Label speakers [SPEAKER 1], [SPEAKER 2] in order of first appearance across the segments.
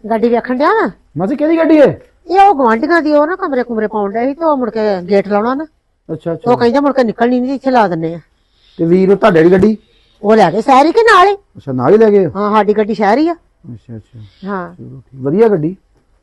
[SPEAKER 1] ਗੱਡੀ ਵੇਖਣ ਡਿਆ ਵਾ
[SPEAKER 2] ਮਾਸੀ ਕਿਹਦੀ ਗੱਡੀ ਏ?
[SPEAKER 1] ਇਹ ਉਹ ਗਵਾਂਢੀਆਂ ਦੀ ਉਹ ਨਾ ਕਮਰੇ ਕੁਮਰੇ ਪਾਉਣ ਡਿਆ ਸੀ ਤੇ ਉਹ ਮੁੜ ਕੇ ਗੇਟ ਲਾਉਣਾ ਨਾ
[SPEAKER 2] ਅੱਛਾ
[SPEAKER 1] ਉਹ
[SPEAKER 2] ਅੱਛਾ।
[SPEAKER 1] ਕਹਿੰਦਾ ਮੁੜ ਕੇ ਨਿਕਲਣੀ ਨਹੀਂ ਇੱਥੇ ਲਾ ਦਿੰਨੇ ਆ।
[SPEAKER 2] ਤੇ ਵੀਰ ਤੁਹਾਡੇ ਦੀ ਗੱਡੀ?
[SPEAKER 1] ਉਹ ਲੈ ਗਏ ਸ਼ਹਿਰ ਹੀ ਕਿ ਨਾਲ ਹੀ।
[SPEAKER 2] ਅੱਛਾ ਨਾਲ ਹੀ ਲੈ ਗਏ?
[SPEAKER 1] ਹਾਂ ਸਾਡੀ ਗੱਡੀ ਸ਼ਹਿਰ ਹੀ ਆ।
[SPEAKER 2] ਅੱਛਾ ਅੱਛਾ
[SPEAKER 1] ਹਾਂ
[SPEAKER 2] ਚਲੋ ਠੀਕ, ਵਧੀਆ ਗੱਡੀ।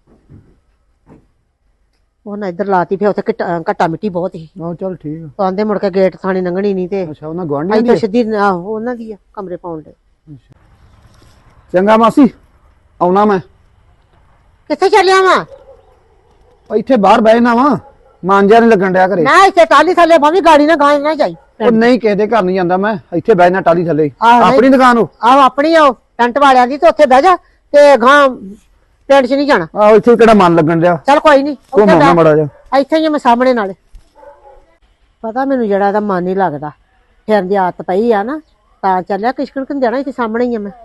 [SPEAKER 1] ਉਹਨਾਂ ਇੱਧਰ ਲਾਤੀ ਫਿਰ ਉੱਥੇ ਘੱਟਾ ਮਿੱਟੀ ਬਹੁਤ ਸੀ।
[SPEAKER 2] ਆਹ ਚੱਲ ਠੀਕ ਆ।
[SPEAKER 1] ਕਹਿੰਦੇ ਮੁੜ ਕੇ ਗੇਟ ਥਾਣੀ ਲੰਘਣੀ ਨਹੀਂ ਤੇ
[SPEAKER 2] ਅੱਛਾ ਉਹਨਾਂ ਗਵਾਂਢੀਆਂ
[SPEAKER 1] ਅਸੀਂ
[SPEAKER 2] ਦੀ
[SPEAKER 1] ਤਾਂ
[SPEAKER 2] ਆ?
[SPEAKER 1] ਸਿੱਧੀ ਆਹੋ ਉਹਨਾਂ ਦੀ ਆ ਕਮਰੇ ਪਾਉਣ ਦੇ।
[SPEAKER 2] ਚੰਗਾ ਮਾਸੀ ਆਉਣਾ ਮੈਂ।
[SPEAKER 1] ਕਿੱਥੇ ਚੱਲਿਆ ਵਾ?
[SPEAKER 2] ਉਹ ਇੱਥੇ ਬਾਹਰ ਬਹਿ ਜਾਣਾ ਵਾ, ਮਾਂਜਿਆ ਨਹੀਂ ਲੱਗਣ ਡਿਆ ਘਰੇ।
[SPEAKER 1] ਨਾ ਇੱਥੇ ਟਾਲੀ ਥੱਲੇ ਭਾਵੇਂ ਗਾੜੀ ਨਾ ਗਾਂ ਨਾ ਜਾਈ।
[SPEAKER 2] ਉਹ ਨਹੀਂ ਕਿਸੇ ਦੇ ਘਰ ਨਹੀਂ ਜਾਂਦਾ ਮੈਂ, ਇੱਥੇ ਬਹਿ ਜਾਣਾ ਟਾਲੀ ਥੱਲੇ।
[SPEAKER 1] ਆਹੋ,
[SPEAKER 2] ਆਪਣੀ ਦੁਕਾਨ ਹੋ?
[SPEAKER 1] ਆਹੋ ਆਪਣੀ ਆ ਟੈਂਟ ਵਾਲਿਆਂ ਦੀ ਤੇ ਉੱਥੇ ਬਹਿ ਜਾ ਤੇ ਗਾਂ ਪਿੰਡ 'ਚ ਨਹੀਂ ਜਾਣਾ।
[SPEAKER 2] ਆਹੋ ਇੱਥੇ ਕਿਹੜਾ ਮਨ ਲੱਗਣ ਡਿਆ।
[SPEAKER 1] ਚੱਲ ਕੋਈ ਨਹੀਂ
[SPEAKER 2] ਘੁੰਮਾਉਣਾ ਮੜਾ ਜਾ।
[SPEAKER 1] ਇੱਥੇ ਹੀ ਆ ਮੈਂ ਸਾਹਮਣੇ ਨਾਲੇ। ਪਤਾ ਮੈਨੂੰ ਜਿਹੜਾ ਇਹਦਾ ਮਨ ਨਹੀਂ ਲੱਗਦਾ ਫਿਰਨ ਦੀ ਆਦਤ ਪਈ ਆ ਨਾ ਤਾਂ ਚੱਲਿਆ ਕਿਸ਼ਕਣ ਕਿੰ ਜਾਣਾ ਇੱਥੇ ਸਾਹਮਣੇ ਹੀ ਆ ਮੈਂ।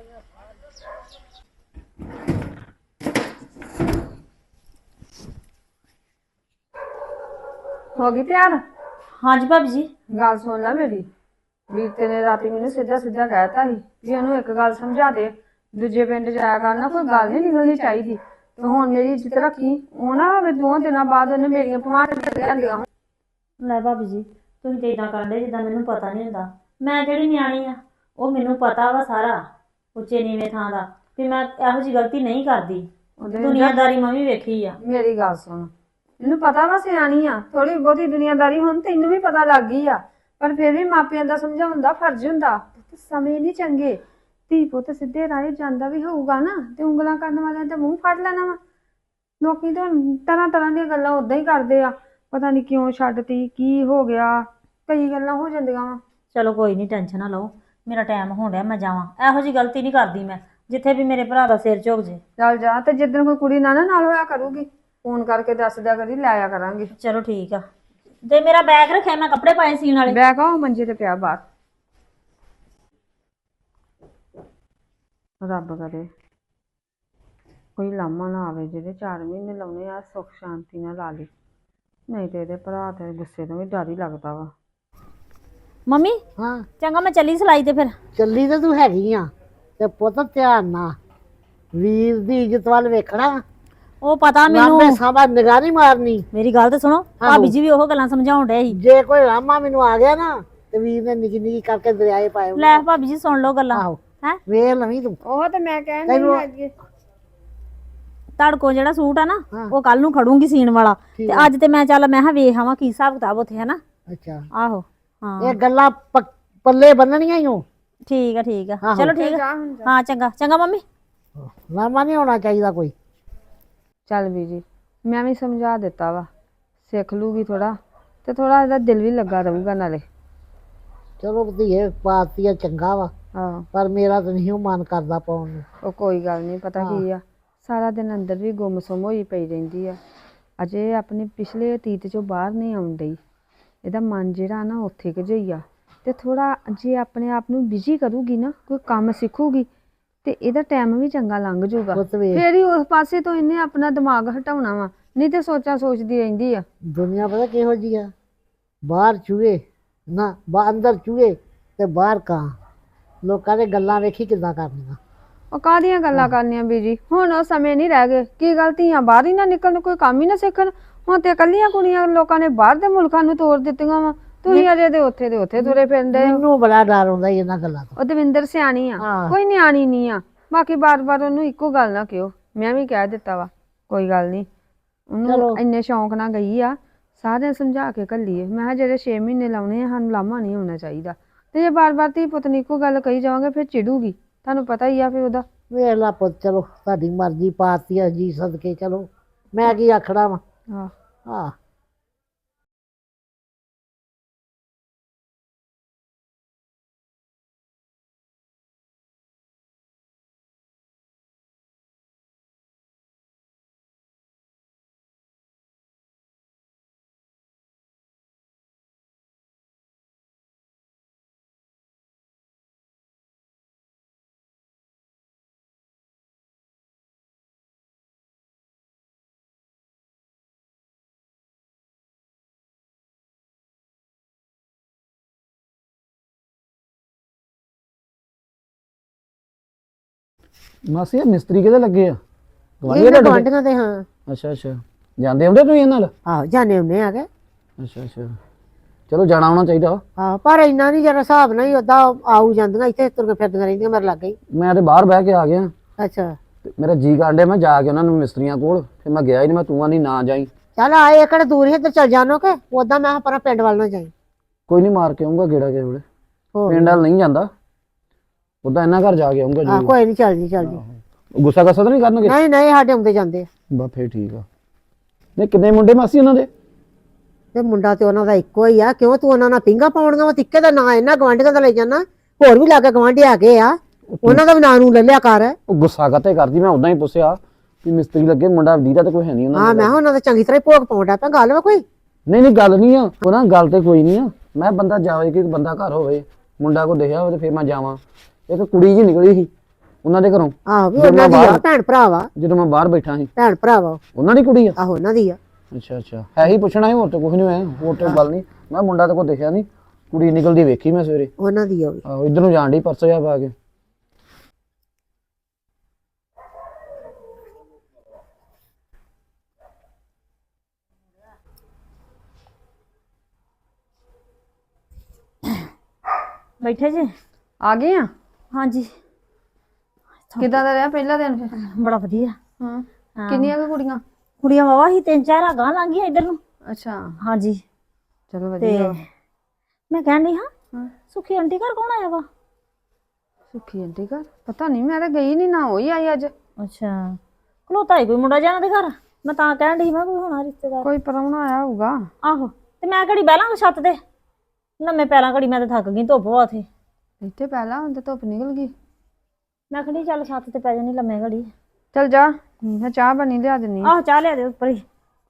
[SPEAKER 3] ਹੋ ਗਈ ਤਿਆਰ?
[SPEAKER 4] ਹਾਂਜੀ ਭਾਬੀ ਜੀ।
[SPEAKER 3] ਗੱਲ ਸੁਣ ਲੈ ਮੇਰੀ। ਵੀਰ ਤੇਰੇ ਰਾਤੀ ਮੈਨੂੰ ਸਿੱਧਾ ਸਿੱਧਾ ਕਹਿਤਾ ਸੀ ਵੀ ਉਹਨੂੰ ਇੱਕ ਗੱਲ ਸਮਝਾ ਦੇ, ਦੂਜੇ ਪਿੰਡ ਜਾਇਆ ਕਰਨਾ, ਕੋਈ ਗੱਲ ਨਹੀਂ ਨਿਕਲਣੀ ਚਾਹੀਦੀ। ਤੇ ਹੁਣ ਮੇਰੀ ਇੱਜ਼ਤ ਰੱਖੀ, ਉਹ ਨਾ ਹੋਵੇ 2 ਦਿਨਾਂ ਬਾਅਦ ਉਹਨੇ ਮੇਰੀਆਂ ਭਮਾਰ ਲਿਆਂਦੀਆਂ।
[SPEAKER 4] ਲੈ ਭਾਬੀ ਜੀ ਤੁਸੀਂ ਤੇ ਇਦਾਂ ਕਰਦੇ ਜਿੱਦਾਂ ਮੈਨੂੰ ਪਤਾ ਨਹੀਂ ਹੁੰਦਾ। ਮੈਂ ਜਿਹੜੀ ਨਿਆਣੀ ਆ ਉਹ ਮੈਨੂੰ ਪਤਾ ਵਾ ਸਾਰਾ ਉੱਚੇ ਨੀਵੇਂ ਥਾਂ ਦਾ ਤੇ ਮੈਂ ਇਹੋ ਜਿਹੀ ਗਲਤੀ ਨਹੀਂ ਕਰਦੀ। ਦੁਨੀਆਦਾਰੀ ਮੈਂ ਵੀ ਵੇਖੀ ਆ।
[SPEAKER 3] ਮੇਰੀ ਗੱਲ ਸੁਣ, ਮੈਨੂੰ ਪਤਾ ਵਾ ਸਿਆਣੀ ਆ, ਥੋੜੀ ਬਹੁਤੀ ਦੁਨੀਆਦਾਰੀ ਹੁਣ ਤੈਨੂੰ ਵੀ ਪਤਾ ਲੱਗ ਗਈ ਆ, ਪਰ ਫਿਰ ਵੀ ਮਾਪਿਆਂ ਦਾ ਸਮਝਾਉਣ ਦਾ ਫਰਜ਼ ਹੁੰਦਾ। ਸਮੇਂ ਨਹੀਂ ਚੰਗੇ, ਧੀ ਪੁੱਤ ਸਿੱਧੇ ਰਾਹ ਜਾਂਦਾ ਵੀ ਹੋਊਗਾ ਨਾ ਤੇ ਉਂਗਲਾਂ ਕਰਨ ਵਾਲਿਆਂ ਤੇ ਮੂੰਹ ਫੜ ਲੈਣਾ ਵਾ। ਲੋਕੀ ਤਾਂ ਤਰ੍ਹਾਂ ਤਰ੍ਹਾਂ ਦੀਆਂ ਗੱਲਾਂ ਉਦਾਂ ਹੀ ਕਰਦੇ ਆ, ਪਤਾ ਨਹੀਂ ਕਿਉਂ ਛੱਡਤੀ, ਕੀ ਹੋ ਗਿਆ, ਕਈ ਗੱਲਾਂ ਹੋ ਜਾਂਦੀਆਂ ਵਾ।
[SPEAKER 4] ਚਲੋ ਕੋਈ ਨਹੀਂ, ਟੈਨਸ਼ਨ ਨਾ ਲਓ, ਮੇਰਾ ਟਾਈਮ ਹੋਣ ਡਿਆ, ਮੈਂ ਜਾਵਾਂ। ਇਹੋ ਜਿਹੀ ਗਲਤੀ ਨਹੀਂ ਕਰਦੀ ਮੈਂ ਜਿੱਥੇ ਵੀ ਮੇਰੇ ਭਰਾ ਦਾ ਸਿਰ ਝੁਕ ਜੇ।
[SPEAKER 3] ਚੱਲ ਜਾ, ਤੇ ਜਿੱਦਣ ਕੋਈ ਕੁੜੀ ਨਾਲ ਹੋਇਆ ਕਰੂਗੀ ਫੋਨ ਕਰਕੇ ਦੱਸ ਦਿਆ ਕਰੀ, ਲੈ ਆਇਆ ਕਰਾਂਗੇ।
[SPEAKER 4] ਚਲੋ ਠੀਕ ਆ। ਤੇ ਮੇਰਾ ਬੈਗ ਰੱਖਿਆ, ਮੈਂ ਕੱਪੜੇ ਪਾਏ ਸੀਣ ਵਾਲੇ।
[SPEAKER 3] ਬੈਗ ਆ ਉਹ ਮੰਜੇ ਤੇ ਪਿਆ ਬਾਹਰ। ਰੱਬ ਕਰੇ ਕੋਈ ਲਾਮਾ ਨਾ ਆਵੇ, ਜਿਹੜੇ 4 ਮਹੀਨੇ ਲਾਉਣੇ ਆ ਸੁੱਖ ਸ਼ਾਂਤੀ ਨਾਲ ਲਾ ਲਈ, ਨਹੀਂ ਤੇ ਇਹਦੇ ਭਰਾ ਤੇ ਗੁੱਸੇ ਤੋਂ ਵੀ ਡਰ ਹੀ ਲੱਗਦਾ ਵਾ।
[SPEAKER 4] ਮੰਮੀ
[SPEAKER 1] ਹਾਂ
[SPEAKER 4] ਚੰਗਾ ਮੈਂ ਚੱਲੀ ਸਿਲਾਈ ਤੇ ਫਿਰ।
[SPEAKER 1] ਚੱਲੀ ਤਾਂ ਤੂੰ ਹੈਗੀ ਆ ਤੇ ਪੁੱਤ ਧਿਆਨ ਨਾਲ ਵੀਰ ਦੀ ਇੱਜ਼ਤ ਵੱਲ ਵੇਖਣਾ।
[SPEAKER 4] ਉਹ ਪਤਾ ਮੈਨੂੰ,
[SPEAKER 1] ਲਾਂਬੇ ਸਾਬਾ ਨਿਗਾਹ ਨਹੀਂ ਮਾਰਨੀ।
[SPEAKER 4] ਮੇਰੀ ਗੱਲ ਤੇ ਸੁਣੋ, ਭਾਬੀ ਜੀ ਵੀ ਉਹ ਗੱਲਾਂ ਸਮਝਾਉਣ ਡਏ ਸੀ।
[SPEAKER 1] ਜੇ ਕੋਈ ਰਾਮਾ ਮੈਨੂੰ ਆ ਗਿਆ ਨਾ ਤੇ ਵੀਰ ਨੇ ਨਿੱਕੀ ਨਿੱਕੀ ਕਰਕੇ ਦਰਿਆਏ ਪਾਏ।
[SPEAKER 4] ਲੈ ਭਾਬੀ ਜੀ ਸੁਣ ਲਓ ਗੱਲਾਂ।
[SPEAKER 1] ਆਹੋ
[SPEAKER 4] ਹੈ
[SPEAKER 1] ਵੇਖ ਲਵੀਂ ਤੂੰ।
[SPEAKER 3] ਉਹ ਤੇ ਮੈਂ ਕਹਿਣ ਨਹੀਂ ਹੈਗੀ।
[SPEAKER 4] ਧੜਕੋ ਜਿਹੜਾ ਸੂਟ ਆ ਨਾ
[SPEAKER 1] ਹਾਂ।
[SPEAKER 4] ਉਹ ਕੱਲ ਨੂੰ ਖੜੂੰਗੀ ਸੀਣ ਵਾਲਾ,
[SPEAKER 1] ਠੀਕ
[SPEAKER 4] ਤੇ
[SPEAKER 1] ਆ।
[SPEAKER 4] ਅੱਜ ਤੇ ਮੈਂ ਚੱਲ ਮੈਂ ਕਿਹਾ ਵੇਖ ਆਵਾਂ ਕੀ ਹਿਸਾਬ ਕਿਤਾਬ ਉੱਥੇ ਹੈ ਨਾ।
[SPEAKER 1] ਅੱਛਾ
[SPEAKER 4] ਆਹੋ ਹਾਂ
[SPEAKER 1] ਇਹ ਗੱਲਾਂ ਪੱਲੇ ਬੰਨਣੀਆਂ ਹੀ ਹੋ।
[SPEAKER 4] ਠੀਕ ਆ ਠੀਕ ਆ,
[SPEAKER 1] ਆਹੋ।
[SPEAKER 4] ਚਲੋ ਠੀਕ ਆ।
[SPEAKER 3] ਜਾ ਹੁਣ ਜਾ।
[SPEAKER 4] ਹਾਂ ਚੰਗਾ ਚੰਗਾ ਮੰਮੀ।
[SPEAKER 1] ਰਾਮਾ ਨਹੀਂ ਹੋਣਾ ਚਾਹੀਦਾ ਕੋਈ।
[SPEAKER 3] ਚੱਲ ਵੀ ਜੀ, ਮੈਂ ਵੀ ਸਮਝਾ ਦਿੱਤਾ ਵਾ, ਸਿੱਖ ਲੂਗੀ ਥੋੜਾ ਤੇ ਥੋੜਾ ਇਹਦਾ ਦਿਲ ਵੀ ਲੱਗਾ ਰਹੂਗਾ ਨਾਲੇ।
[SPEAKER 1] ਚਲੋ ਧੀਏ ਪਾਤੀ ਆ ਚੰਗਾ ਵਾ,
[SPEAKER 3] ਹਾਂ
[SPEAKER 1] ਪਰ ਮੇਰਾ ਤਾਂ ਨਹੀਂ ਮਨ ਕਰਦਾ ਪਾਉਣ ਨੂੰ।
[SPEAKER 3] ਉਹ ਕੋਈ ਗੱਲ ਨਹੀਂ, ਪਤਾ ਕੀ ਆ, ਸਾਰਾ ਦਿਨ ਅੰਦਰ ਵੀ ਗੁੰਮਸੁੰਮ ਹੋਈ ਪਈ ਰਹਿੰਦੀ ਆ, ਅਜੇ ਆਪਣੇ ਪਿਛਲੇ ਅਤੀਤ ਚੋਂ ਬਾਹਰ ਨਹੀਂ ਆਉਣ ਡਈ। ਇਹਦਾ ਮਨ ਜਿਹੜਾ ਨਾ ਉੱਥੇ ਕੁ ਜਿਹਾ ਹੀ ਆ, ਤੇ ਥੋੜਾ ਜੇ ਆਪਣੇ ਆਪ ਨੂੰ ਬਿਜੀ ਕਰੂਗੀ ਨਾ, ਕੋਈ ਕੰਮ ਸਿੱਖੂਗੀ ਤੇ ਇਹਦਾ ਟਾਈਮ ਵੀ ਚੰਗਾ ਲੰਘ ਜਾਊਗਾ।
[SPEAKER 1] ਪੁੱਤ ਵੇਖ
[SPEAKER 3] ਫੇਰ ਹੀ ਉਸ ਪਾਸੇ ਤੋਂ ਇਹਨੇ ਆਪਣਾ ਦਿਮਾਗ ਹਟਾਉਣਾ ਵਾ, ਨਹੀਂ ਤੇ ਸੋਚਾਂ ਸੋਚਦੀ ਰਹਿੰਦੀ ਆ।
[SPEAKER 1] ਦੁਨੀਆ ਪਤਾ ਕਿਹੋ ਜੀ ਆ, ਬਾਹਰ ਚੂਹੇ ਨਾ ਅੰਦਰ ਚੂਹੇ ਤੇ ਬਾਹਰ ਕਾਂ। ਲੋਕਾਂ ਦੇ ਗੱਲਾਂ ਵੇਖੀ ਕਿੱਦਾਂ ਕਰਨੀਆਂ।
[SPEAKER 3] ਉਹ ਕਾਹਦੀਆਂ ਗੱਲਾਂ ਕਰਨੀਆਂ ਬੀਜੀ, ਹੁਣ ਉਹ ਸਮੇਂ ਨਹੀਂ ਰਹਿ ਗਏ। ਕੀ ਗਲਤੀਆਂ ਬਾਹਰ ਹੀ ਨਾ ਨਿਕਲਣ, ਕੋਈ ਕੰਮ ਹੀ ਨਾ ਸਿੱਖਣ। ਹੁਣ ਤੇ ਇਕੱਲੀਆਂ ਕੁੜੀਆਂ ਲੋਕਾਂ ਨੇ ਬਾਹਰ ਦੇ ਮੁਲਕਾਂ ਨੂੰ ਤੋੜ ਦਿੱਤੀਆਂ ਵਾ, ਤੁਸੀਂ ਅਜੇ ਦੇ ਉੱਥੇ ਤੁਰੇ ਫਿਰਦੇ ਹੋ।
[SPEAKER 1] ਮੈਨੂੰ ਬੜਾ ਡਰ ਹੁੰਦਾ ਇਹਨਾਂ ਗੱਲਾਂ ਤੋਂ।
[SPEAKER 3] ਉਹ ਦਵਿੰਦਰ ਸਿਆਣੀ ਆ,
[SPEAKER 1] ਹਾਂ।
[SPEAKER 3] ਕੋਈ ਨਿਆਣੀ ਨਹੀਂ ਆ। ਬਾਕੀ ਬਾਰ-ਬਾਰ ਉਹਨੂੰ ਇੱਕੋ ਗੱਲ ਨਾ ਕਿਹੋ, ਮੈਂ ਵੀ ਕਹਿ ਦਿੱਤਾ ਵਾ, ਕੋਈ ਗੱਲ ਨਹੀਂ। ਉਹਨੂੰ ਇੰਨੇ ਸ਼ੌਂਕ ਨਾਲ ਗਈ ਆ, ਸਾਰਿਆਂ ਸਮਝਾ ਕੇ ਘੱਲੀਏ। ਮੈਂ ਕਿਹਾ ਜਿਹੜੇ 6 ਮਹੀਨੇ ਲਾਉਣੇ ਆ, ਸਾਨੂੰ ਲਾਮਾ ਨਹੀਂ ਹੋਣਾ ਚਾਹੀਦਾ। ਤੇ ਜੇ ਬਾਰ-ਬਾਰ ਧੀ ਪੁੱਤ ਨੂੰ ਇੱਕੋ ਗੱਲ ਕਹੀ ਜਾਵਾਂਗੇ ਫਿਰ ਚਿੜੂਗੀ, ਤੁਹਾਨੂੰ ਪਤਾ ਹੀ ਆ ਫਿਰ ਉਹਦਾ।
[SPEAKER 1] ਵੇਖ ਲਾ ਪੁੱਤ, ਚਲੋ ਤੁਹਾਡੀ ਮਰਜ਼ੀ ਪਾਤੀ ਆ ਜੀ ਸਦਕੇ, ਚਲੋ ਮੈਂ ਕੀ ਆਖਣਾ ਵਾ।
[SPEAKER 3] ਹਾਂ
[SPEAKER 1] ਹਾਂ
[SPEAKER 2] ਮਾਸੀ ਇਹ ਮਿਸਤਰੀ ਕਿਹਦੇ ਲੱਗੇ ਆ? ਗਵਾਂਢੀ
[SPEAKER 1] ਇਹਨਾਂ
[SPEAKER 2] ਤੁਹਾਡੇ?
[SPEAKER 1] ਗਵਾਂਢੀਆਂ ਦੇ ਹਾਂ।
[SPEAKER 2] ਅੱਛਾ ਅੱਛਾ, ਜਾਂਦੇ ਹੁੰਦੇ ਤੁਸੀਂ ਇਹਨਾਂ ਨਾਲ?
[SPEAKER 1] ਆਹੋ ਜਾਣੇ ਹੁੰਦੇ ਆ ਕੇ।
[SPEAKER 2] ਅੱਛਾ ਅੱਛਾ, ਚਲੋ ਜਾਣਾ ਆਉਣਾ ਚਾਹੀਦਾ ਵਾ।
[SPEAKER 1] ਆਹੋ ਪਰ ਇੰਨਾ ਨਹੀਂ ਜਰਾ ਹਿਸਾਬ ਨਾਲ ਹੀ ਓਦਾਂ ਆਊ ਜਾਂਦੀਆਂ ਇੱਥੇ ਤੁਰ ਫਿਰਦੀਆਂ ਰਹਿੰਦੀਆਂ ਮੇਰੇ ਲਾਗੇ ਹੀ।
[SPEAKER 2] ਮੈਂ ਤੇ ਬਾਹਰ ਬਹਿ ਕੇ ਆ ਗਿਆ
[SPEAKER 1] ਅੱਛਾ
[SPEAKER 2] ਤੇ ਮੇਰਾ ਜੀ ਕਾਂਡੇ ਮੈਂ ਜਾ ਕੇ ਉਹਨਾਂ ਨੂੰ ਮਿਸਤਰੀਆਂ ਕੋਲ, ਫਿਰ ਮੈਂ ਗਿਆ ਹੀ ਨਹੀਂ। ਮੈਂ ਤੂੰ ਆਂਦੀ ਨਾ ਜਾਈ।
[SPEAKER 1] ਚੱਲ ਆਏ ਏਕੜ ਦੂਰ ਹੀ ਇੱਧਰ ਚੱਲ ਜਾਣੋ ਕਿ ਓਦਾਂ ਮੈਂ ਪਰ ਪਿੰਡ ਵੱਲ ਨਾ ਜਾਈ।
[SPEAKER 2] ਕੋਈ ਨਹੀਂ, ਮਾਰ ਕੇ ਆਉਂਗਾ ਗੇੜਾ ਕਿਸੇ ਵੇਲੇ।
[SPEAKER 1] ਹੋਰ
[SPEAKER 2] ਪਿੰਡ ਵੱਲ ਨਹੀਂ ਜਾਂਦਾ, ਉਦਾਂ ਇਹਨਾਂ ਘਰ ਜਾ ਕੇ ਆਉਂਗਾ
[SPEAKER 1] ਆਹ
[SPEAKER 2] ਜੀ।
[SPEAKER 1] ਕੋਈ ਨਹੀਂ, ਚੱਲ ਜੀ ਚੱਲ ਜੀ।
[SPEAKER 2] ਗੁੱਸਾ ਗੱਸਾ ਤਾਂ ਨਹੀਂ ਕਰਨਗੇ?
[SPEAKER 1] ਨਹੀਂ ਨਹੀਂ ਸਾਡੇ ਆਉਂਦੇ ਜਾਂਦੇ ਆ।
[SPEAKER 2] ਬਸ ਫੇਰ ਠੀਕ ਆ। ਨਹੀਂ ਕਿੰਨੇ ਮੁੰਡੇ ਮਾਸੀ ਉਹਨਾਂ ਦੇ?
[SPEAKER 1] ਤੇ ਮੁੰਡਾ ਤੇ ਉਹਨਾਂ ਦਾ ਇੱਕੋ ਹੀ ਆ। ਕਿਉਂ ਤੂੰ ਉਹਨਾਂ ਨਾਲ ਪਿੰਗਾ ਪਾਉਣੀਆਂ ਵਾ? ਤਿੱਕੇ ਦਾ ਨਾਂ ਇਹਨਾਂ ਗਵਾਂਢੀਆਂ ਦਾ ਲੈ ਜਾਣਾ। ਹੋਰ ਵੀ ਲਾਗੇ ਗਵਾਂਢੀ ਆ ਗਏ ਆ, ਉਹਨਾਂ ਦਾ ਵੀ ਨਾਂ ਨੂੰ ਲੈ ਲਿਆ ਕਰ।
[SPEAKER 2] ਉਹ ਗੁੱਸਾ ਕਾਤੇ ਕਰਦੀ? ਮੈਂ ਉਦਾਂ ਹੀ ਪੁੱਛਿਆ ਵੀ ਮਿਸਤਰੀ ਲੱਗੇ, ਮੁੰਡਾ ਦੀਦਾ ਤੇ ਕੋਈ ਹੈ ਨਹੀਂ ਉਹਨਾਂ
[SPEAKER 1] ਹਾਂ
[SPEAKER 2] ਦੇ।
[SPEAKER 1] ਮੈਂ ਕਿਹਾ ਉਹਨਾਂ ਦਾ ਚੰਗੀ ਤਰ੍ਹਾਂ ਹੀ ਭੋਗ ਪਾਉਂਦਾ ਪਿਆ। ਗੱਲ ਵਾ ਕੋਈ?
[SPEAKER 2] ਨਹੀਂ ਨਹੀਂ ਗੱਲ ਨਹੀਂ ਆ ਉਹ ਨਾ, ਗੱਲ ਤੇ ਕੋਈ ਨਹੀਂ ਆ। ਮੈਂ ਬੰਦਾ ਜਾਵੇ ਕਿ ਬੰਦਾ ਘਰ ਹੋਵੇ, ਮੁੰਡਾ ਕੋ ਦੇਖਿਆ ਹੋਵੇ ਤੇ ਫੇਰ ਮੈਂ ਜਾਵਾਂ। ਇੱਕ ਕੁੜੀ ਜੀ ਨਿਕਲੀ ਸੀ ਉਹਨਾਂ ਦੇ ਘਰੋਂ।
[SPEAKER 1] ਆਹੋ ਵੀ ਉਹਨਾਂ ਦੀ ਆ, ਭੈਣ ਭਰਾ ਵਾ।
[SPEAKER 2] ਜਦੋਂ ਮੈਂ ਬਾਹਰ ਬੈਠਾ ਸੀ।
[SPEAKER 1] ਭੈਣ ਭਰਾ ਵਾ
[SPEAKER 2] ਉਹਨਾਂ ਦੀ ਕੁੜੀ ਆ?
[SPEAKER 1] ਆਹੋ ਉਹਨਾਂ ਦੀ ਆ।
[SPEAKER 2] ਅੱਛਾ ਅੱਛਾ, ਹੈ ਹੀ ਪੁੱਛਣਾ ਸੀ, ਹੋਰ ਤੇ ਕੁਝ ਨਹੀਂ ਹੋਇਆ, ਹੋਰ ਤੇ ਗੱਲ ਨਹੀਂ। ਮੈਂ ਮੁੰਡਾ ਤੇ ਕੋ ਦੇਖਿਆ ਨਹੀਂ, ਕੁੜੀ ਨਿਕਲਦੀ ਵੇਖੀ ਮੈਂ ਸਵੇਰੇ।
[SPEAKER 1] ਉਹਨਾਂ ਦੀ ਆ ਵੀ।
[SPEAKER 2] ਆਹੋ ਇੱਧਰ ਨੂੰ ਜਾਣ ਡਈ ਪਰਸੋਂ ਜਾ ਪਾ ਕੇ।
[SPEAKER 4] ਬੈਠੇ ਜੀ?
[SPEAKER 3] ਆ ਗਏ ਆ?
[SPEAKER 4] ਹਾਂਜੀ।
[SPEAKER 3] ਕਿੱਦਾਂ ਦਾ ਰਿਹਾ ਪਹਿਲਾ ਦਿਨ ਫਿਰ?
[SPEAKER 4] ਬੜਾ ਵਧੀਆ।
[SPEAKER 3] ਹਾਂ, ਕਿੰਨੀਆਂ ਕੁ ਕੁੜੀਆਂ?
[SPEAKER 4] ਕੁੜੀਆਂ ਵਾਵਾ ਹੀ 3-4 ਅਗਾਂਹ ਲੰਘ ਗਈਆਂ ਇੱਧਰ ਨੂੰ।
[SPEAKER 3] ਅੱਛਾ,
[SPEAKER 4] ਹਾਂਜੀ।
[SPEAKER 3] ਚਲੋ
[SPEAKER 4] ਤੇ
[SPEAKER 3] ਵਧੀਆ।
[SPEAKER 4] ਮੈਂ ਕਹਿਣ ਡਈ ਹਾਂ,
[SPEAKER 3] ਹਾਂ,
[SPEAKER 4] ਸੁਖੀ ਆਂਟੀ ਘਰ ਕੌਣ ਆਇਆ ਵਾ?
[SPEAKER 3] ਸੁੱਖੀ ਆਂਟੀ ਘਰ ਪਤਾ ਨਹੀਂ, ਮੈਂ ਤਾਂ ਗਈ ਨਹੀਂ, ਨਾ ਹੋਈ ਆਈ ਅੱਜ।
[SPEAKER 4] ਅੱਛਾ, ਖਲੋਤਾ ਹੀ ਕੋਈ ਮੁੰਡਾ ਜਾਣਾ ਦੇ ਘਰ। ਮੈਂ ਤਾਂ ਕਹਿਣ ਡਈ ਮੈਂ ਕੋਈ ਹੋਣਾ ਰਿਸ਼ਤੇਦਾਰ।
[SPEAKER 3] ਕੋਈ ਪ੍ਰਾਹੁਣਾ ਆਇਆ ਹੋਊਗਾ।
[SPEAKER 4] ਆਹੋ, ਤੇ ਮੈਂ ਘੜੀ ਬਹਿ ਲਾਂਗਾ ਛੱਤ ਤੇ। ਲੰਮੇ ਪੈਰਾਂ ਘੜੀ, ਮੈਂ ਤਾਂ ਥੱਕ ਗਈ, ਧੁੱਪ ਵਾ ਉੱਥੇ।
[SPEAKER 3] ਇੱਥੇ ਪਹਿਲਾਂ ਹੁਣ ਤੇ ਧੁੱਪ ਨਿਕਲ ਗਈ।
[SPEAKER 4] ਮੈਂ ਖੜੀ ਚੱਲ ਛੱਤ ਤੇ ਪੈ ਜਾਣੀ ਲੰਮੇ ਘੜੀ।
[SPEAKER 3] ਚਲ ਜਾ, ਮੈਂ ਚਾਹ ਬਣੀ ਲਿਆ ਦਿੰਨੀ।
[SPEAKER 4] ਆਹੋ ਚਾਹ ਲਿਆ ਦੇ ਉੱਪਰ ਹੀ।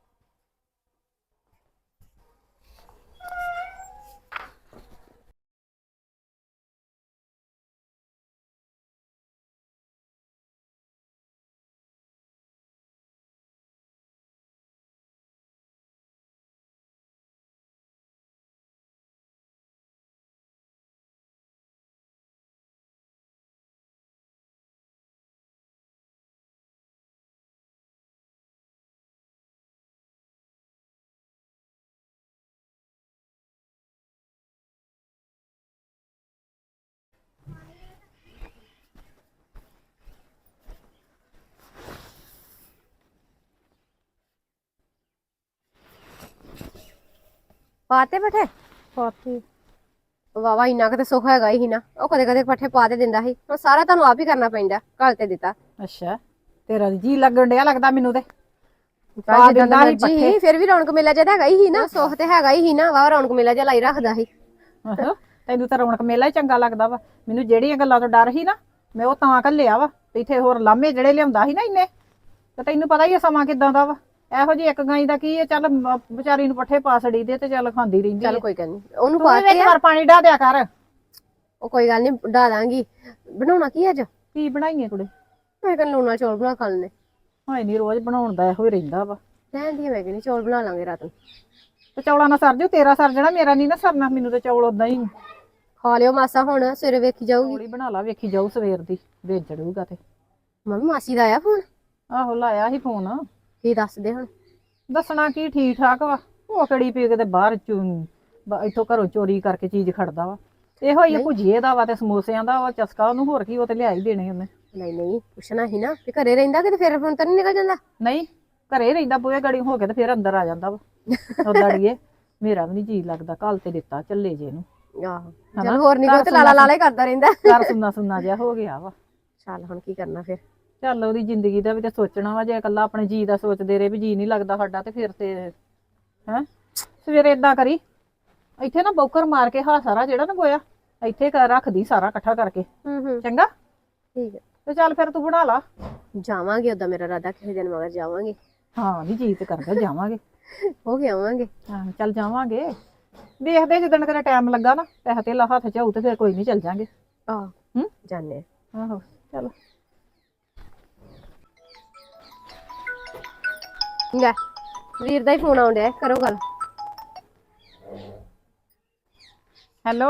[SPEAKER 5] ਪਾਤੇ ਪੱਠੇ
[SPEAKER 4] ਪਾਤੀ
[SPEAKER 5] ਵਾਵਾ ਇੰਨਾ ਕੁ ਤੇ ਸੁੱਖ ਹੈਗਾ ਹੀ ਨਾ। ਉਹ ਕਦੇ ਕਦੇ ਪੱਠੇ ਪਾ ਦੇ ਦਿੰਦਾ ਸੀ, ਹੁਣ ਸਾਰਾ ਤੁਹਾਨੂੰ ਆਪ ਹੀ ਕਰਨਾ ਪੈਂਦਾ। ਘਲ ਤੇ ਦਿੱਤਾ
[SPEAKER 6] ਅੱਛਾ, ਤੇਰਾ ਜੀ ਲੱਗਣ ਡਿਆ ਲੱਗਦਾ ਮੈਨੂੰ ਤੇ।
[SPEAKER 5] ਜਿੱਦਾਂ ਦਾ
[SPEAKER 6] ਦਿੰਦਾ ਸੀ
[SPEAKER 5] ਮਰਜੀ
[SPEAKER 6] ਪੱਠੇ।
[SPEAKER 5] ਫਿਰ ਵੀ ਰੌਣਕ ਮੇਲਾ ਜਿਹਾ ਹੈਗਾ ਹੀ ਨਾ। ਸੁੱਖ ਤੇ ਹੈਗਾ ਹੀ ਨਾ, ਵਾਹ ਰੌਣਕ ਮੇਲਾ ਜਿਹਾ ਲਾਈ ਰੱਖਦਾ ਸੀ।
[SPEAKER 6] ਆਹੋ, ਤੈਨੂੰ ਤਾਂ ਰੌਣਕ ਮੇਲਾ ਹੀ ਚੰਗਾ ਲੱਗਦਾ ਵਾ। ਮੈਨੂੰ ਜਿਹੜੀਆਂ ਗੱਲਾਂ ਤੋਂ ਡਰ ਸੀ ਨਾ, ਮੈਂ ਉਹ ਤਾਂ ਘੱਲਿਆ ਵਾ। ਇੱਥੇ ਹੋਰ ਲਾਮੇ ਜਿਹੜੇ ਲਿਆਉਂਦਾ ਸੀ ਨਾ ਇੰਨੇ, ਤੇ ਤੈਨੂੰ ਪਤਾ ਹੀ ਆ ਸਮਾਂ ਕਿਦਾਂ ਦਾ ਵਾ। ਇਹੋ ਜਿਹੀ ਇੱਕ ਗਾਈ ਦਾ ਕੀ ਹੈ, ਚੱਲ ਵਿਚਾਰੀ ਨੂੰ ਪੱਠੇ ਪਾ ਛੜੀ ਦੇ ਤੇ ਚੱਲ ਖਾਂਦੀ ਰਹਿੰਦੀ
[SPEAKER 5] ਚੱਲ
[SPEAKER 6] ਹੈ।
[SPEAKER 5] ਕੋਈ ਗੱਲ ਨਹੀਂ, ਉਹਨੂੰ
[SPEAKER 6] ਤੂੰ ਵੀ
[SPEAKER 5] ਪਾਤੇ
[SPEAKER 6] ਵਿੱਚ
[SPEAKER 5] ਆ।
[SPEAKER 6] ਵਾਰ ਪਾਣੀ ਢਾ ਦਿਆ ਕਰ।
[SPEAKER 5] ਉਹ ਕੋਈ ਗੱਲ ਨਹੀਂ, ਢਾ ਦਾਂਗੀ। ਬਣਾਉਣਾ ਕੀ ਅੱਜ?
[SPEAKER 6] ਕੀ ਬਣਾਈਏ ਕੁੜੇ?
[SPEAKER 5] ਮੈਂ ਕਹਿੰਦਾ ਲੂਣਾ ਚੌਲ ਬਣਾ ਖਾ ਲੈਣੇ।
[SPEAKER 6] ਹਾਏ ਨਹੀਂ, ਰੋਜ਼ ਬਣਾਉਣ ਦਾ ਇਹੋ ਹੀ ਰਹਿੰਦਾ ਵਾ।
[SPEAKER 5] ਕਹਿੰਦੀ ਮੈਂ ਕਹਿੰਦੀ ਚੌਲ ਬਣਾ ਲਾਂਗੇ ਰਾਤ ਨੂੰ।
[SPEAKER 6] ਤੇ ਚੌਲਾਂ ਨਾਲ ਸਰ ਜੂ, ਤੇਰਾ ਸਰ ਜਾਣਾ, ਮੇਰਾ ਨਹੀਂ ਨਾ ਸਰਨਾ। ਮੈਨੂੰ ਤੇ ਚੌਲ ਉਦਾਂ ਹੀ
[SPEAKER 5] ਖਾ ਲਿਓ ਮਾਸਾ, ਹੁਣ ਸਵੇਰੇ ਵੇਖੀ ਜਾਊਗੀ।
[SPEAKER 6] ਥੋੜੀ ਬਣਾ ਲਾ, ਵੇਖੀ ਜਾਊ ਸਵੇਰ ਦੀ ਵੇਚ ਚੜੂਗਾ ਤੇ।
[SPEAKER 5] ਮੰਮੀ ਮਾਸੀ ਦਾ ਆਇਆ ਫੋਨ?
[SPEAKER 6] ਆਹੋ ਲਾਇਆ ਸੀ ਫੋਨ।
[SPEAKER 5] ਕੀ ਦੱਸਦੇ ਹੁਣ?
[SPEAKER 6] ਦੱਸਣਾ ਕੀ, ਠੀਕ ਠਾਕ ਵਾ। ਉਹ ਕਿਹੜੀ ਪੀ ਕੇ ਤੇ ਬਾਹਰ ਇੱਥੋਂ ਘਰੋਂ ਚੋਰੀ ਕਰਕੇ ਚੀਜ਼ ਖੜਦਾ ਵਾ। ਇਹੋ ਹੀ ਭੁਜੀਏ ਦਾ ਵਾ ਤੇ ਸਮੋਸਿਆਂ ਦਾ ਵਾ ਚਸਕਾ ਉਹਨੂੰ, ਹੋਰ ਕੀ ਉਹ ਤੇ ਲਿਆ ਹੀ ਦੇਣੇ ਉਹਨੇ।
[SPEAKER 5] ਨਹੀਂ ਨਹੀਂ, ਪੁੱਛਣਾ ਹੀ ਨਾ ਵੀ ਘਰੇ ਰਹਿੰਦਾ ਕਿ ਫਿਰ ਫੋਨ ਤਾਂ ਨਹੀਂ ਨਿਕਲ ਜਾਂਦਾ।
[SPEAKER 6] ਨਹੀਂ, ਘਰੇ ਰਹਿੰਦਾ, ਬੂਹੇ ਗੜੀ ਹੋ ਕੇ ਤੇ ਫਿਰ ਅੰਦਰ ਆ ਜਾਂਦਾ ਵਾ। ਉਹ ਲੜੀਏ, ਮੇਰਾ ਵੀ ਨਹੀਂ ਜੀ ਲੱਗਦਾ, ਕੱਲ ਤੇ ਦਿੱਤਾ ਚੱਲੇ ਜੇ ਨੂੰ।
[SPEAKER 5] ਆਹੋ, ਚਲ ਹੋਰ ਨਹੀਂ ਕੋਈ ਤੇ ਲਾਲਾ ਲਾਲਾ ਹੀ ਕਰਦਾ ਰਹਿੰਦਾ।
[SPEAKER 6] ਘਰ ਸੁੰਨਾ ਸੁੰਨਾ ਜਿਹਾ ਹੋ ਗਿਆ ਵਾ।
[SPEAKER 5] ਚੱਲ ਹੁਣ ਕੀ ਕਰਨਾ ਫਿਰ?
[SPEAKER 6] ਚੱਲ ਉਹਦੀ ਜ਼ਿੰਦਗੀ ਦਾ ਵੀ ਤੇ ਸੋਚਣਾ ਵਾ। ਜੇ ਇਕੱਲਾ ਆਪਣੇ ਜੀ ਦਾ ਸੋਚਦੇ ਰਹੇ ਵੀ ਜੀ ਨਹੀਂ ਲੱਗਦਾ ਸਾਡਾ, ਤੇ ਫਿਰ ਤੇ ਹੈ ਸਵੇਰੇ ਏਦਾਂ ਕਰੀ, ਇੱਥੇ ਨਾ ਬੌਕਰ ਮਾਰ ਕੇ ਸਾਰਾ ਜਿਹੜਾ ਨਾ ਗੋਇਆ ਇੱਥੇ ਰੱਖਦੀ, ਸਾਰਾ ਇਕੱਠਾ ਕਰਕੇ। ਚੰਗਾ,
[SPEAKER 5] ਠੀਕ ਹੈ।
[SPEAKER 6] ਤੇ ਚੱਲ ਫਿਰ ਤੂੰ ਬਣਾ ਲਾ।
[SPEAKER 5] ਜਾਵਾਂਗੇ, ਉਦਾਂ ਮੇਰਾ ਇਰਾਦਾ ਕਿਸੇ ਦਿਨ ਮਗਰ ਜਾਵਾਂਗੇ।
[SPEAKER 6] ਹਾਂ ਵੀ ਜੀ ਤੇ ਕਰਦਾ, ਜਾਵਾਂਗੇ।
[SPEAKER 5] ਹੋ ਕੇ ਆਵਾਂਗੇ।
[SPEAKER 6] ਹਾਂ ਚੱਲ ਜਾਵਾਂਗੇ, ਵੇਖਦੇ ਜਿੱਦਣ ਕਿਤੇ ਟਾਈਮ ਲੱਗਾ ਨਾ, ਪੈਸਾ ਧੇਲਾ ਹੱਥ ਚ ਆਊ ਤੇ ਫਿਰ ਕੋਈ ਨਹੀਂ, ਚੱਲ ਜਾਾਂਗੇ।
[SPEAKER 5] ਆਹ ਜਾਣੇ।
[SPEAKER 6] ਆਹੋ ਚਲ।
[SPEAKER 5] ਲੈ ਵੀਰ ਦਾ ਹੀ ਫੋਨ ਆਉਣ ਡਿਆ, ਕਰੋ ਗੱਲ।
[SPEAKER 6] ਹੈਲੋ,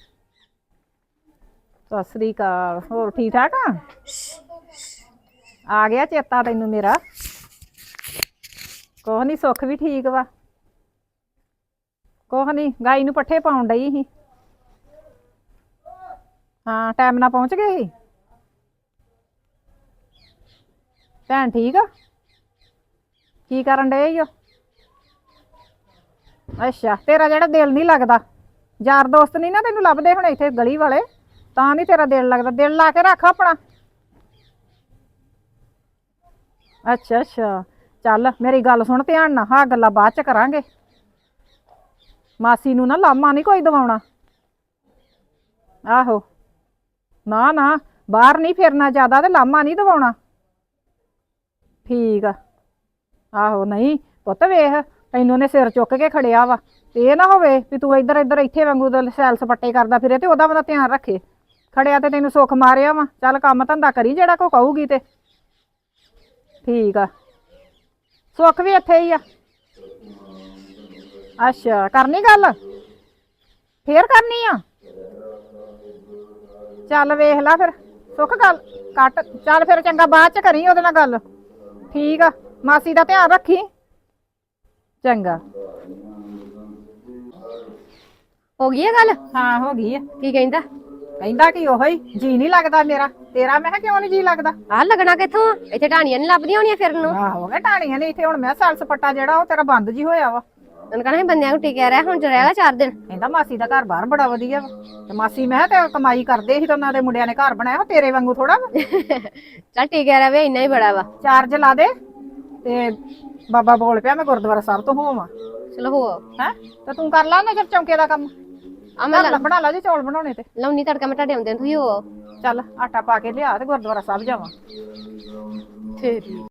[SPEAKER 6] ਸਤਿ ਸ੍ਰੀ ਅਕਾਲ। ਹੋਰ ਠੀਕ ਠਾਕ ਆ? ਆ ਗਿਆ ਚੇਤਾ ਤੈਨੂੰ ਮੇਰਾ। ਕੁਛ ਨੀ, ਸੁੱਖ ਵੀ ਠੀਕ ਵਾ। ਕੁਛ ਨੀ, ਗਾਈ ਨੂੰ ਪੱਠੇ ਪਾਉਣ ਡਈ ਸੀ। ਹਾਂ, ਟਾਈਮ ਨਾਲ ਪਹੁੰਚ ਗਏ ਸੀ। ਭੈਣ ਠੀਕ ਆ? ਕੀ ਕਰਨ ਡਏ ਓ? ਅੱਛਾ, ਤੇਰਾ ਜਿਹੜਾ ਦਿਲ ਨਹੀਂ ਲੱਗਦਾ, ਯਾਰ ਦੋਸਤ ਨਹੀਂ ਨਾ ਤੈਨੂੰ ਲੱਭਦੇ ਹੁਣ ਇੱਥੇ ਗਲੀ ਵਾਲੇ, ਤਾਂ ਨਹੀਂ ਤੇਰਾ ਦਿਲ ਲੱਗਦਾ। ਦਿਲ ਲਾ ਕੇ ਰੱਖ ਆਪਣਾ। ਅੱਛਾ ਅੱਛਾ, ਚੱਲ ਮੇਰੀ ਗੱਲ ਸੁਣ ਧਿਆਨ ਨਾਲ, ਹਾਂ ਗੱਲਾਂ ਬਾਅਦ ਚ ਕਰਾਂਗੇ। ਮਾਸੀ ਨੂੰ ਨਾ ਲਾਮਾ ਨਹੀਂ ਕੋਈ ਦਵਾਉਣਾ। ਆਹੋ, ਨਾ ਨਾ, ਬਾਹਰ ਨਹੀਂ ਫਿਰਨਾ ਜ਼ਿਆਦਾ ਤੇ ਲਾਮਾ ਨਹੀਂ ਦਵਾਉਣਾ। ਠੀਕ ਆ। ਆਹੋ, ਨਹੀਂ ਪੁੱਤ ਵੇਖ, ਤੈਨੂੰ ਨੇ ਸਿਰ ਚੁੱਕ ਕੇ ਖੜਿਆ ਵਾ, ਤੇ ਇਹ ਨਾ ਹੋਵੇ ਵੀ ਤੂੰ ਇੱਧਰ ਇੱਧਰ ਇੱਥੇ ਵਾਂਗੂ ਸੈਲ ਸਪੱਟੇ ਕਰਦਾ ਫਿਰੇ ਤੇ ਉਹਦਾ ਧਿਆਨ ਰੱਖੇ। ਖੜਿਆ ਤੇ ਤੈਨੂੰ ਸੁੱਖ ਮਾਰਿਆ ਵਾ, ਚੱਲ ਕੰਮ ਧੰਦਾ ਕਰੀ ਜਿਹੜਾ ਕੋ ਕਹੂਗੀ ਤੇ। ਠੀਕ ਆ। ਸੁੱਖ ਵੀ ਇੱਥੇ ਹੀ ਆ? ਅੱਛਾ, ਕਰਨੀ ਗੱਲ? ਫੇਰ ਕਰਨੀ ਆ? ਚੱਲ ਵੇਖ ਲਾ ਫਿਰ ਸੁੱਖ, ਗੱਲ ਕੱਟ। ਚੱਲ ਫਿਰ ਚੰਗਾ, ਬਾਅਦ ਚ ਕਰੀ ਉਹਦੇ ਨਾਲ ਗੱਲ। ਠੀਕ ਆ, ਮਾਸੀ ਦਾ ਧਿਆਨ ਰੱਖੀ। ਚੰਗਾ।
[SPEAKER 5] ਹੋ ਗਈ ਆ ਗੱਲ?
[SPEAKER 6] ਹਾਂ, ਹੋ ਗਈ ਆ।
[SPEAKER 5] ਕੀ ਕਹਿੰਦਾ?
[SPEAKER 6] ਕਹਿੰਦਾ ਕਿ ਉਹੋ ਹੀ ਜੀ ਨਹੀਂ ਲੱਗਦਾ ਮੇਰਾ ਤੇਰਾ। ਮੈਂ ਕਿਹਾ ਕਿਉਂ ਨਹੀਂ ਜੀ ਲੱਗਦਾ?
[SPEAKER 5] ਆਹ ਲੱਗਣਾ ਕਿੱਥੋਂ ਆ? ਇੱਥੇ ਢਾਣੀਆਂ ਨੀ ਲੱਭਦੀਆਂ ਹੋਣੀਆਂ ਫਿਰਨ ਨੂੰ।
[SPEAKER 6] ਆਹੋ, ਗਿਆ ਢਾਣੀਆਂ ਨੇ ਇੱਥੇ। ਹੁਣ ਮੈਂ ਸੈਲ ਸਪੱਟਾ ਜਿਹੜਾ ਉਹ ਤੇਰਾ ਬੰਦ ਜੀ ਹੋਇਆ ਵਾ।
[SPEAKER 5] ਉਹਨੂੰ ਕਹਣਾ ਬੰਦਿਆਂ ਨੂੰ ਟਿਕਿਆ ਰਿਹਾ, ਹੁਣ ਰਹਿਗਾ 4 ਦਿਨ।
[SPEAKER 6] ਕਹਿੰਦਾ ਮਾਸੀ ਦਾ ਘਰ ਬਾਹਰ ਬੜਾ ਵਧੀਆ ਵਾ। ਤੇ ਮਾਸੀ ਮੈਂ ਕਿਹਾ ਤੇ ਕਮਾਈ ਕਰਦੇ ਸੀ ਤੇ ਉਹਨਾਂ ਦੇ ਮੁੰਡਿਆਂ ਨੇ ਘਰ ਬਣਾਇਆ, ਤੇਰੇ ਵਾਂਗੂ ਥੋੜਾ ਵਾ।
[SPEAKER 5] ਚੱਲ ਟਿਕਿਆ ਰਵੇ, ਇੰਨਾ ਹੀ ਬੜਾ ਵਾ।
[SPEAKER 6] ਚਾਰਜ ਲਾ ਦੇ ਤੇ ਬਾਬਾ ਬੋਲ ਪਿਆ ਮੈਂ ਗੁਰਦੁਆਰਾ ਸਾਹਿਬ ਤੋਂ ਹੋਵਾਂ।
[SPEAKER 5] ਚਲੋ ਹੋ
[SPEAKER 6] ਹੈ ਤੇ ਤੂੰ ਕਰ ਲਾ ਨਜ਼ਰ ਚੌਂਕੇ ਦਾ ਕੰਮ।
[SPEAKER 5] ਆ ਮੈਂ
[SPEAKER 6] ਬਣਾ ਲਾ ਜੇ ਚੌਲ ਬਣਾਉਣੇ ਤੇ।
[SPEAKER 5] ਲਾਉਣੀ ਤੜਕਾ ਮੈਂ ਤੁਹਾਡੇ ਆਉਂਦੇ ਤੁਸੀਂ ਹੋ।
[SPEAKER 6] ਚੱਲ ਆਟਾ ਪਾ ਕੇ ਲਿਆ ਤੇ ਗੁਰਦੁਆਰਾ ਸਾਹਿਬ ਜਾਵਾਂ।
[SPEAKER 5] ਫੇਰ